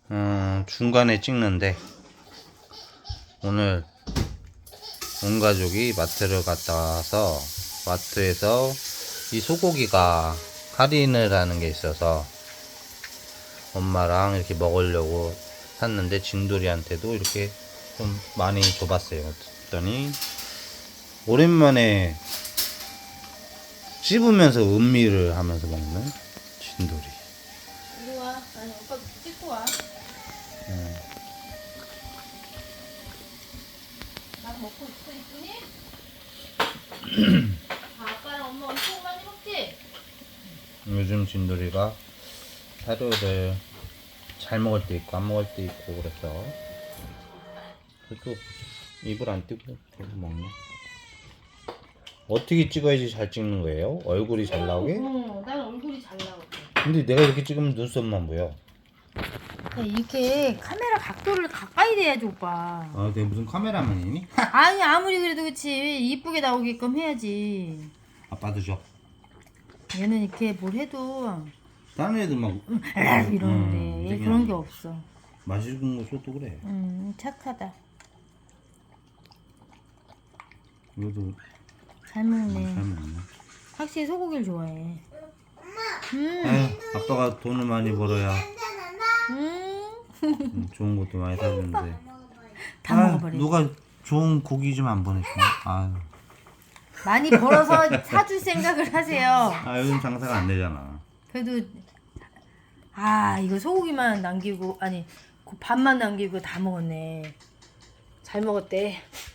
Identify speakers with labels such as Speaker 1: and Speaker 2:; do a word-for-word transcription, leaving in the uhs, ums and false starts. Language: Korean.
Speaker 1: 음, 중간에 찍는데 오늘 온 가족이 마트를 갔다 와서 마트에서 이 소고기가 할인을 하는 게 있어서 엄마랑 이렇게 먹으려고 샀는데 진돌이한테도 이렇게 좀 많이 줘봤어요. 그랬더니 오랜만에 씹으면서 음미를 하면서 먹는 진돌이.
Speaker 2: 이리 와. 아니 오빠 찍고 와.
Speaker 1: 음.
Speaker 2: 나 먹고 있어 이쁘니? 아, 아빠랑 엄마 엄청 많이 먹지?
Speaker 1: 요즘 진돌이가 사료를 잘 먹을 때 있고 안 먹을 때 있고 그래서 그래도 입을 안 띄고 계속 먹네. 어떻게 찍어야지 잘 찍는 거예요? 얼굴이 잘 나오게?
Speaker 2: 어, 난 얼굴이 잘 나오게.
Speaker 1: 근데 내가 이렇게 찍으면 눈썹만 보여.
Speaker 2: 이렇게 카메라 각도를 가까이 대야지 오빠.
Speaker 1: 아, 내가 무슨 카메라맨이니?
Speaker 2: 아니 아무리 그래도 그렇지 이쁘게 나오게끔 해야지.
Speaker 1: 아빠도 줘.
Speaker 2: 얘는 이렇게 뭘 해도
Speaker 1: 다른 애들 막
Speaker 2: 에이, 이러는데
Speaker 1: 음,
Speaker 2: 얘
Speaker 1: 되게
Speaker 2: 그런 게 없어.
Speaker 1: 맛있는 거 써도 그래.
Speaker 2: 음 착하다.
Speaker 1: 이것도
Speaker 2: 잘 먹네.
Speaker 1: 잘 먹네.
Speaker 2: 확실히 소고기를 좋아해. 음.
Speaker 1: 아유, 아빠가 돈을 많이 벌어야
Speaker 2: 음.
Speaker 1: 음, 좋은 것도 많이 사주는데.
Speaker 2: 다
Speaker 1: 아,
Speaker 2: 먹어버려.
Speaker 1: 누가 좋은 고기 좀 안 보내주나? 아유.
Speaker 2: 많이 벌어서 사줄 생각을 하세요.
Speaker 1: 아, 요즘 장사가 안 되잖아.
Speaker 2: 그래도 아 이거 소고기만 남기고 아니 그 밥만 남기고 다 먹었네. 잘 먹었대.